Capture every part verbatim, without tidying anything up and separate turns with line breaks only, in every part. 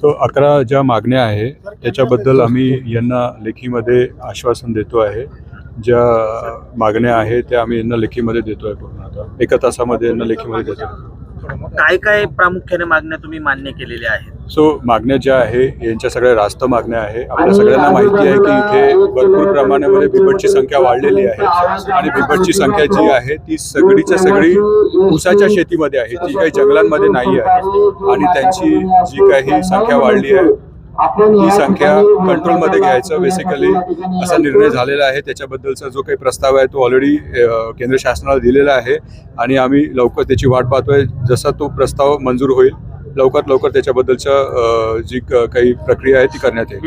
So अकरा ज्या मागण्या आहे त्याच्याबद्दल आम्ही यांना लेखीमध्ये आश्वासन देतो आहे. ज्या मागण्या आहे त्या आम्ही यांना लेखीमध्ये देतो आहे. पूर्ण आता एका तासामध्ये यांना लेखीमध्ये देतो.
काय काय प्रामुख्याने मागण्या तुम्ही मान्य केलेल्या आहेत?
सो मागण्या ज्या आहे यांच्या सगळ्या रास्त मागण्या आहे. आपल्या सगळ्यांना माहिती आहे की इथे भरपूर प्रमाणामध्ये बिबटची संख्या वाढलेली आहे आणि बिबटची संख्या जी आहे ती सगळीच्या सगळी ऊसाच्या शेतीमध्ये आहे, ती काही जंगलांमध्ये नाही आहे. आणि त्यांची जी काही संख्या वाढली आहे ती संख्या कंट्रोलमध्ये घ्यायचं बेसिकली असा निर्णय झालेला आहे. त्याच्याबद्दलचा जो काही प्रस्ताव आहे तो ऑलरेडी केंद्र शासनाला दिलेला आहे आणि आम्ही लवकर त्याची वाट पाहतोय. जसा तो प्रस्ताव मंजूर होईल लवकरात लवकर त्याच्याबद्दलच्या जी काही प्रक्रिया आहे ती करण्यात येईल.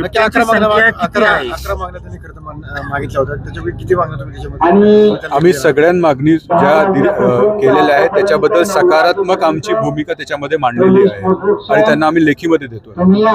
आम्ही सगळ्या मागणी ज्या केलेल्या आहेत त्याच्याबद्दल सकारात्मक आमची भूमिका त्याच्यामध्ये मांडलेली आहे आणि त्यांना आम्ही लेखीमध्ये देतो.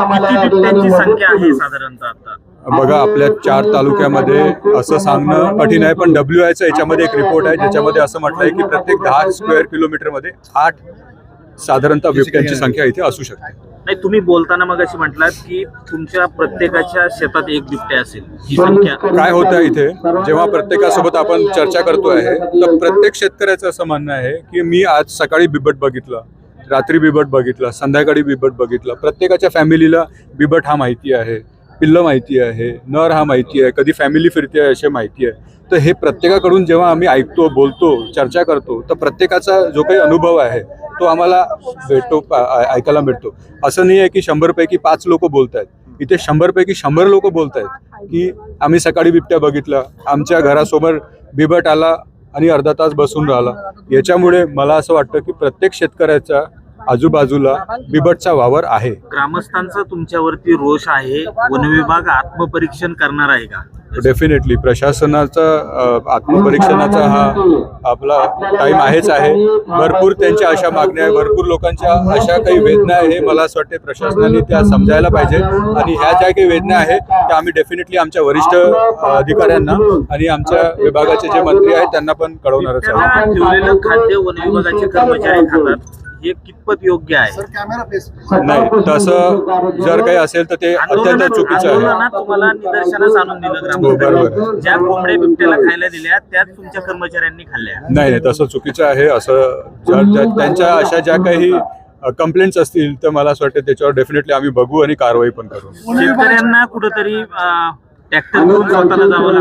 संख्या आहे साधारणतः आता
बघा, आपल्या चार तालुक्यामध्ये असं सांगणं कठीण आहे, पण डब्ल्यू आयचा याच्यामध्ये एक रिपोर्ट आहे ज्याच्यामध्ये असं म्हटलं आहे की प्रत्येक दहा स्क्वेअर किलोमीटर मध्ये आठ साधारणतः बिबट्यांची संख्या इथे असू शकते.
नाही, तुम्ही बोलताना मग अशी म्हटलात की तुमच्या प्रत्येकाच्या शेतात एक बिबट्या असेल, ही संख्या
काय होतं इथे जेव्हा प्रत्येकासोबत आपण चर्चा करतो आहे तर प्रत्येक शेतकऱ्याचं असं म्हणणं आहे की मी आज सकाळी बिबट बघितला, रात्री बिबट बघितला, संध्याकाळी बिबट बघितला. प्रत्येकाच्या फॅमिलीला बिबट हा माहिती आहे, पिल्लं माहिती आहे, नर हा माहिती आहे, कधी फॅमिली फिरते आहे असे माहिती आहे. तर हे प्रत्येकाकडून जेव्हा आम्ही ऐकतो, बोलतो, चर्चा करतो तर प्रत्येकाचा जो काही अनुभव आहे तो आम्हाला भेटतो, ऐकायला मिळतो. असं नाही आहे की शंभरपैकी पाच लोक बोलत आहेत, इथे शंभरपैकी शंभर लोक बोलत आहेत की आम्ही सकाळी बिबट्या बघितला, आमच्या घरासमोर बिबट आला आणि अर्धा तास बसून राहिला. याच्यामुळे मला असं वाटतं की प्रत्येक शेतकऱ्याच्या आजूबाजूला बिबटचा वावर आहे.
ग्रामस्थांचा तुमच्यावरती रोष आहे, वनविभाग आत्मपरीक्षण करणार आहे का?
डेफिनेटली प्रशासनाचा आत्मपरीक्षणाचा हा आपला टाइम आहेच आहे. भरपूर त्यांच्या अशा मागण्या आहे, भरपूर लोकांच्या अशा काही वेदना आहे. मला असं वाटते प्रशासनाने त्या समजायला पाहिजे आणि ह्या ज्या काही वेदना आहे त्या आम्ही डेफिनेटली आमच्या वरिष्ठ अधिकाऱ्यांना आणि आमच्या विभागाचे जे मंत्री आहेत त्यांना पण कळवणारच आहे.
ठेवलेलं खाद्य वनविभागाचे कर्मचारी खातात, हे कितपत योग्य आहे?
नाही, तसं जर काही असेल तर ते अत्यंत चुकीचं आहे.
तुम्हाला निदर्शनास आणून दिलं ग्रामस्थांनी, ज्या कोंबड्या बिबट्याला खायला दिल्या त्याच तुमच्या कर्मचाऱ्यांनी खाल्ल्या.
नाही नाही, तसं चुकीचं आहे. असं जर त्यांच्या अशा ज्या काही कंप्लेंट्स असतील तर मला असं वाटतं त्याच्यावर डेफिनेटली आम्ही बघू आणि कारवाई पण करू.
शेतकऱ्यांना कुठंतरी ट्रॅक्टर घेऊन स्वतःला जावं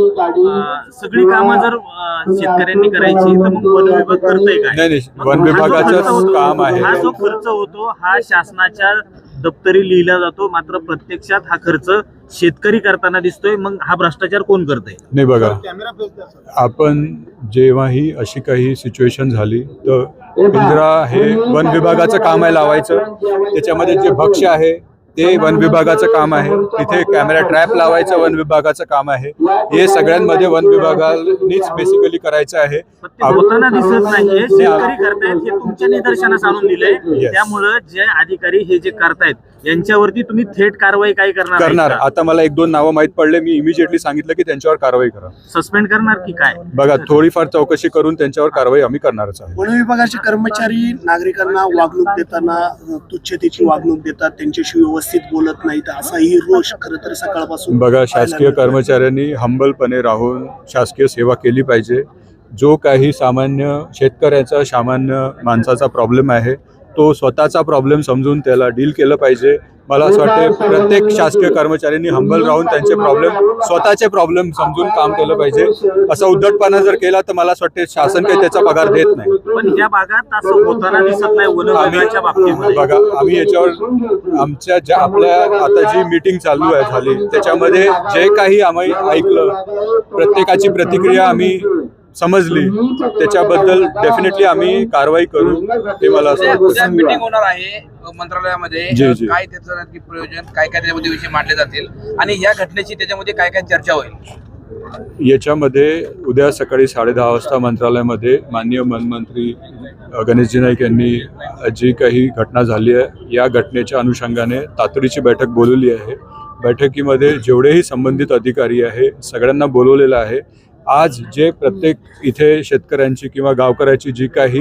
लागतं, सगळी कामं जर शेतकऱ्यांनी करायची तर मग वन विभाग करतोय काय?
नाही नाही, वन विभागाचं काम आहे.
हा जो खर्च होतो हा शासनाच्या दप्तरी लिहिला जातो, मात्र प्रत्यक्षात हा खर्च शेतकरी करताना दिसतोय. मग हा भ्रष्टाचार कोण करतोय?
नाही बघा, आपण जेव्हाही अशी काही सिच्युएशन झाली तर पिंजरा हे वन विभागाचं काम आहे लावायचं. त्याच्यामध्ये जे भक्ष्य आहे ते वन विभागाचं काम आहे, तिथे कॅमेरा ट्रॅप लावायचं वन विभागाचं काम आहे. हे सगळ्यांमध्ये वन विभागानेच बेसिकली करायचं आहे.
होताना दिसत नाहीये, शेतकरी करतायत हे तुमच्या निदर्शनास आणून दिलंय. त्यामुळं जे अधिकारी हे जे करतायत यांच्यावरती तुम्ही थेट कारवाई काय करणार?
करणार. आता मला एक दोन नावं माहित पडले, मी इमिजिएटली सांगितलं की त्यांच्यावर कारवाई करा.
सस्पेंड करणार की काय?
बघा, थोडीफार चौकशी करून त्यांच्यावर कारवाई आम्ही करणारच आहे.
वन विभागाचे कर्मचारी नागरिकांना वागणूक देताना तुच्छतेची वागणूक देतात, त्यांच्याशी व्यवस्थित बोलत नाहीत, असाही रोष खरं तर सकाळपासून.
बघा, शासकीय कर्मचाऱ्यांनी हंबलपणे राहून शासकीय सेवा केली पाहिजे. जो काही सामान्य शेतकऱ्याचा सामान्य माणसाचा प्रॉब्लेम आहे तो स्वतःचा प्रॉब्लेम समजून त्याला डील केलं पाहिजे. मला असं वाटतं प्रत्येक शासकीय कर्मचाऱ्यांनी हंबल राहून त्यांचे प्रॉब्लेम स्वतःचे प्रॉब्लेम समजून काम केलं पाहिजे. असा उद्धटपणा जर केला तर मला असं वाटतं शासन काही त्याचा पगार देत नाही.
पण या भागात असं होताना दिसत नाही वन विभागाच्या बाबतीत.
बघा, आम्ही याच्यावर आमच्या ज्या आपल्या आता जी मीटिंग चालू आहे झाली त्याच्यामध्ये जे काही आम्ही ऐकलं, प्रत्येकाची प्रतिक्रिया आम्ही समजली, त्याच्याबद्दल डेफिनेटली आम्ही कारवाई करू. ते मला असं वाटतं.
मीटिंग होणार आहे मंत्रालयामध्ये, काय त्याचं नक्की प्रयोजन, काय काय त्याच्यामध्ये विषय मांडले जातील आणि या घटनेची त्याच्यामध्ये काय काय चर्चा होईल?
याच्यामध्ये उद्या सकाळी साडे दहा वाजता मंत्रालयामध्ये माननीय वनमंत्री गणेशजी नाईक यांनी जी काही घटना झाली आहे या घटनेच्या अनुषंगाने तातडीची बैठक बोलवली आहे. बैठकीमध्ये जेवढेही संबंधित अधिकारी आहे सगळ्यांना बोलवलेलं आहे. आज जे प्रत्येक इथे शेतकऱ्यांची किंवा गावकऱ्याची जी काही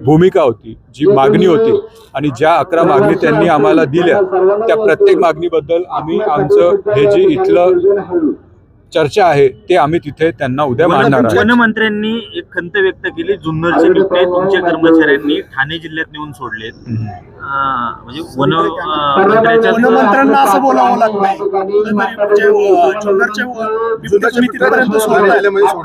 भूमिका होती, जी मागणी होती आणि ज्या अकरा मागणी त्यांनी आम्हाला दिल्या त्या प्रत्येक मागणीबद्दल आम्ही आमचं हे जे इथलं चर्चा आहे ते आम्ही तिथे त्यांना उद्या मांडणार आहे.
वनमंत्र्यांनी एक खंत व्यक्त केली, जुन्नरचे बिबटे तुमच्या कर्मचाऱ्यांनी ठाणे जिल्ह्यात नेऊन सोडलेत. अं, म्हणजे वन अं, मंत्र्याच्या
वनमंत्र्यांना असं बोलावं लागतंय म्हणजे जुन्नरच्या बिबटे तुम्ही तिथपर्यंत सोडताय.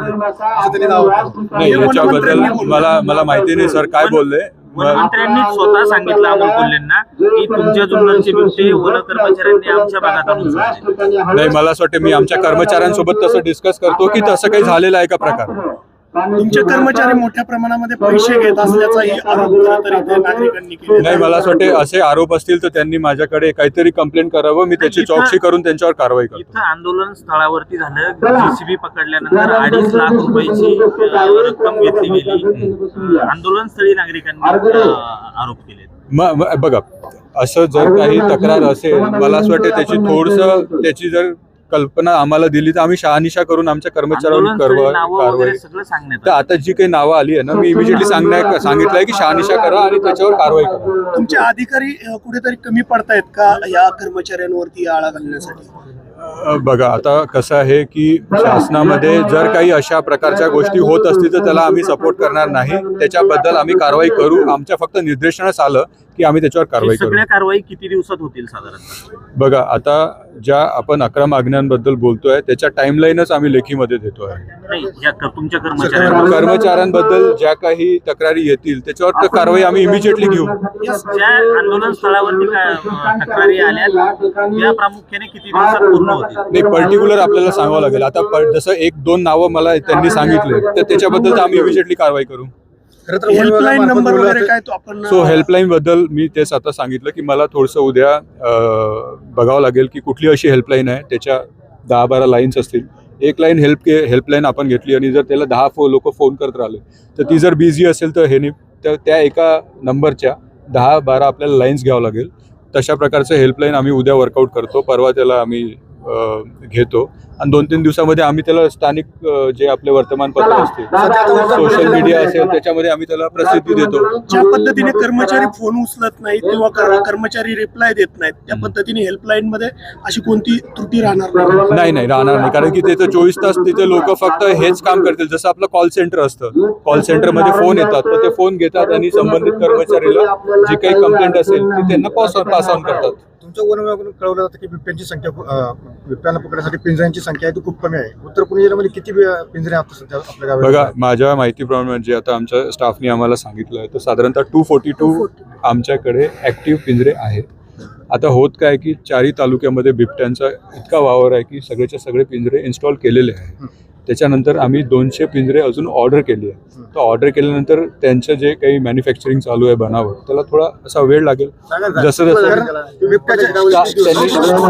नाही, याच्याबद्दल मला मला माहिती नाही सर काय बोलले.
वनमंत्र्यांनी स्वतः सांगितलं अमोल कोल्हेंना की तुमच्या जुन्नरचे बिबटे वन कर्मचाऱ्यांनी आमच्या भागात आणून सोडले.
नाही, मला असं वाटतं मी आमच्या कर्मचाऱ्यांसोबत तसं डिस्कस करतो की तसं काही झालेलं आहे का प्रकार.
तुमचे कर्मचारी मोठ्या प्रमाणामध्ये पैसे घेत असल्याचाही आरोप खरं तर इथे नागरिकांनी केला.
नाही, मला असं वाटतं असे आरोप असतील तर त्यांनी माझ्याकडे काहीतरी कंप्लेंट करावं, मी त्याची चौकशी करून त्यांच्यावर कारवाई करतो.
इथं आंदोलन स्थळावरती झालं, जेसीबी पकडल्यानंतर अडीच लाख रुपयाची अं, रक्कम घेतली गेली. अं, आंदोलन स्थळी नागरिकांनी अं, आरोप केले.
म म- बघा, असं जर काही तक्रार असेल, मला असं वाटतं त्याची थोडंसं त्याची जर कल्पना आम्हाला दिली तर आम्ही शहानिशा करून आमच्या कर्मचाऱ्यांवर
आंदोलन स्थळी
कारवाई
नावं
कारवाई
वगैरे सगळं सांगण्यात
तर
आलं.
आता जी काही नावं आली आहे ना, मी इमिजिएटली सांगण्या सांगितलंय की शहानिशा करा आणि त्याच्यावर कारवाई करा.
तुमचे अधिकारी अ, कुठेतरी कमी पडतायत का या कर्मचाऱ्यांवरती आळा घालण्यासाठी?
अ, बघा, आता कसं आहे की शासनामध्ये जर काही अशा प्रकारच्या गोष्टी होत असतील तर त्याला आम्ही सपोर्ट करणार नाही. त्याच्याबद्दल आम्ही कारवाई करू. आमच्या फक्त निर्देशनास आलं की आम्ही त्याच्यावर कारवाई करू.
सगळ्या कारवाई किती दिवसात होतील साधारणतः?
बघा, आता ज्या आपण अकरा मागण्यांबद्दल बोलतोय त्याच्या टाइमलाईनच आम्ही लेखीमध्ये देतोय.
नाही, या क- तुमच्या कर्मचाऱ्यांवर
कर्मचाऱ्यांबद्दल ज्या काही तक्रारी येतील त्याच्यावर तर कारवाई आम्ही इमिजिएटली घेऊ.
ज्या आंदोलन स्थळावरती काय अं, तक्रारी आल्या त्या प्रामुख्याने किती दिवसात पूर्ण होतील?
नाही, पर्टिक्युलर आपल्याला सांगावं लागेल. आता प- जसं एक दोन नावं मला त्यांनी सांगितले तर त्याच्याबद्दल तर आम्ही इमिजिएटली कारवाई करू.
हेल्पलाईन नंबर वगैरे काय तो आपण
सो हेल्पलाईन बद्दल मी तेच आता सांगितलं की मला थोडंसं उद्या अं, बघावं लागेल की कुठली अशी हेल्पलाईन आहे. त्याच्या दहा बारा लाईन्स असतील. एक लाईन हेल्प के हेल्पलाईन आपण घेतली आणि जर त्याला दहा फो लोक फोन करत राहिले तर ती जर बिझी असेल तर हे नाही, तर त्या एका नंबरच्या दहा बारा आपल्याला लाईन्स घ्यावं लागेल. तशा प्रकारचं हेल्पलाईन आम्ही उद्या वर्कआउट करतो. परवा त्याला आम्ही अं, घेतो आणि दोन तीन दिवसामध्ये आम्ही त्याला स्थानिक अं, जे आपले वर्तमानपत्र असतील, सोशल मीडिया असेल त्याच्यामध्ये आम्ही त्याला प्रसिद्धी देतो.
ज्या पद्धतीने कर्मचारी फोन उचलत नाहीत किंवा कर- कर्मचारी रिप्लाय देत नाहीत त्या पद्धतीने हेल्पलाईन मध्ये अशी कोणती त्रुटी राहणार नाही.
नाही नाही राहणार नाही, कारण की तिथे चोवीस तास तिथे लोक फक्त हेच काम करतील. जसं आपलं कॉल सेंटर असतं, कॉल सेंटरमध्ये फोन येतात तर ते फोन घेतात आणि संबंधित कर्मचारीला जी काही कंप्लेंट असेल ती त्यांना पास पास ऑन करतात.
तुमच्या वन विभागाकडून कळवलं जातं की बिबट्यांची संख्या अं, बिबट्यांना पकडण्यासाठी पिंजऱ्यांची संख्या आहे ती खूप कमी आहे. उत्तर पुणे जिल्ह्यामध्ये किती बि- पिंजरे आहेत सध्या आपल्या गावात?
बघा, माझ्या माहितीप्रमाणे जे आता आमच्या स्टाफने आम्हाला सांगितलं आहे तर साधारणतः टू फोर्टी टू आमच्याकडे ॲक्टिव्ह पिंजरे आहेत. आता होत काय की चारही तालुक्यामध्ये बिबट्यांचा इतका वावर आहे की सगळेच्या सगळे पिंजरे इन्स्टॉल केलेले आहे. त्याच्यानंतर आम्ही दोनशे पिंजरे अजून ऑर्डर केली आहे. तर ऑर्डर केल्यानंतर त्यांचं जे काही मॅन्युफॅक्चरिंग चालू आहे बनावट त्याला थोडा असा वेळ लागेल. जसं जसं
बिबट्याच्या
त्यांनी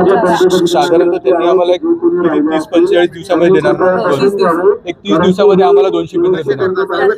साधारणतः त्यांनी आम्हाला एक किती तीस पंचेचाळीस दिवसामध्ये देणार ना? एक तीस दिवसामध्ये आम्हाला दोनशे पिंजरे देणार.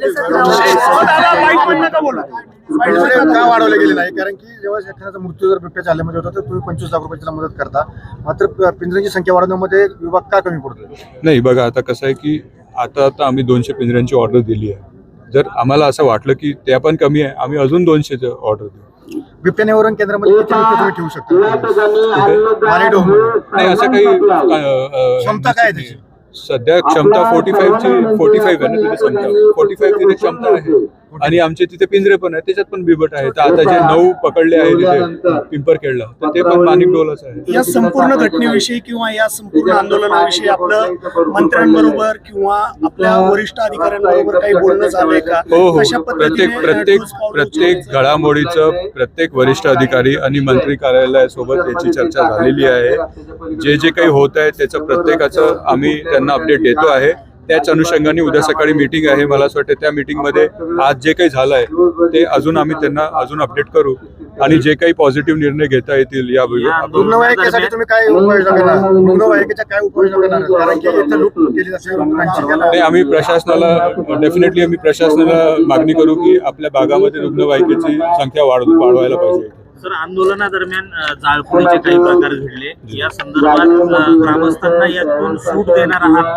दादा, mic बंद नका बोलू.
पिंजरे का वाढवले गेले नाही? कारण की जेव्हा एखाद्याचा मृत्यू जर बिबट्याच्या हल्ल्यामध्ये होता तर तुम्ही पंचवीस लाख रुपयाची मदत करता, मात्र पिंजऱ्यांची संख्या वाढवण्यामध्ये विभाग का कमी पडतो?
नाही, बघा, आता कसं आहे की आता आता आम्ही दोनशे पिंजऱ्यांची ऑर्डर दिली आहे. जर आम्हाला असं वाटलं की त्या पण कमी आहे आम्ही अजून दोनशेची ऑर्डर देऊ.
बिबट्या निवारण केंद्रामध्ये किती बिबटे तुम्ही ठेवू शकता? मालेगावमध्ये
नाही, असं काही अं,
क्षमता काय आहे त्याची?
सध्या क्षमता फोर्टी फाईव्हची फोर्टी फाईव्ह आहे ना तिथे संख्या फोर्टी फाईव्ह तिथे क्षमता आहे आणि आमचे तिथे पिंजरे पण आहेत, त्याच्यात पण बिबट आहे. तर आता जे नऊ पकडले आहे तिथे पिंपरखेडला तर ते पण माणिक डोलाच आहे.
या संपूर्ण घटनेविषयी किंवा या संपूर्ण आंदोलनाविषयी आपलं मंत्र्यांबरोबर किंवा आपल्या वरिष्ठ अधिकाऱ्यांबरोबर काही बोलणं झालंय का?
हो हो,
कशा पद्धतीने
प्रत्येक प्रत्येक
ठोस पावलं
प्रत्येक
उचलायचं?
घडामोडीचं प्रत्येक वरिष्ठ अधिकारी आणि मंत्री कार्यालयासोबत याची चर्चा झालेली आहे. जे जे काही होत आहे त्याचं प्रत्येकाचं आम्ही त्यांना अपडेट देतो आहे. त्याच अनुषंगाने उद्या सकाळी मीटिंग आहे. मला असं वाटतं त्या मीटिंगमध्ये आज जे काही झालं आहे ते अजून आम्ही त्यांना अजून अपडेट करू आणि जे काही पॉझिटिव्ह निर्णय घेता येतील या
रुग्णवाहिकेसाठी तुम्ही काय उपाययोजना करणार? रुग्णवाहिकेच्या काय उपाययोजना करणार? कारण की इथे लूट केली जाते रुग्णांची.
नाही, आम्ही प्रशासनाला डेफिनेटली आम्ही प्रशासनाला मागणी करू की आपल्या भागामध्ये रुग्णवाहिकेची संख्या वाढ वाढवायला पाहिजे.
सर, आंदोलनादरम्यान अ, जाळपोळीचे काही प्रकार घडले, या संदर्भात अ, ग्रामस्थांना यातून सूट देणार आहात का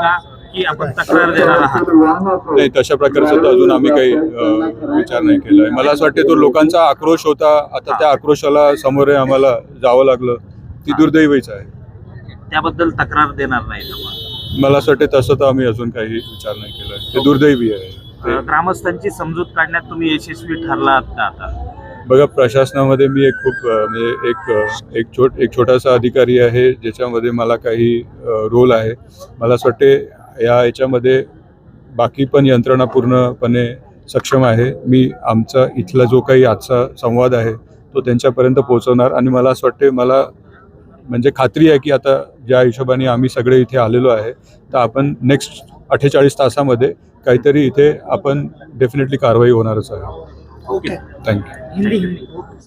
की आपण तक्रार देणार आहात?
नाही, तशा प्रकारचं तर अजून आम्ही काही अ, विचार नाही केला आहे. मला असं वाटते तो लोकांचा आक्रोश होता, आता त्या आक्रोशाला सामोरे आम्हाला जावं लागलं, ती दुर्दैवीच आहे.
त्याबद्दल तक्रार देणार नाही आपण.
मला असं वाटते तसं तर आम्ही अजून काही विचार नाही केला आहे. ते दुर्दैवी आहे.
अ, ग्रामस्थांची समजूत काढण्यात तुम्ही यशस्वी ठरलात का आता?
बघा, प्रशासनामध्ये मी एक खूप अ, म्हणजे एक अ, एक छोट एक छोटासा अधिकारी आहे ज्याच्यामध्ये मला काही रोल आहे. मला असं वाटते या याच्यामध्ये बाकी पण यंत्रणा पूर्णपणे सक्षम आहे. मी आमचा इथला जो काही आजचा संवाद आहे तो त्यांच्यापर्यंत पोहोचवणार आणि मला असं वाटते, मला म्हणजे खात्री आहे की आता ज्या हिशोबाने आम्ही सगळे इथे आलेलो आहे तर आपण नेक्स्ट अठ्ठेचाळीस तासामध्ये काहीतरी इथे आपण डेफिनेटली कारवाई होणारच आहे.
Okay
thank you.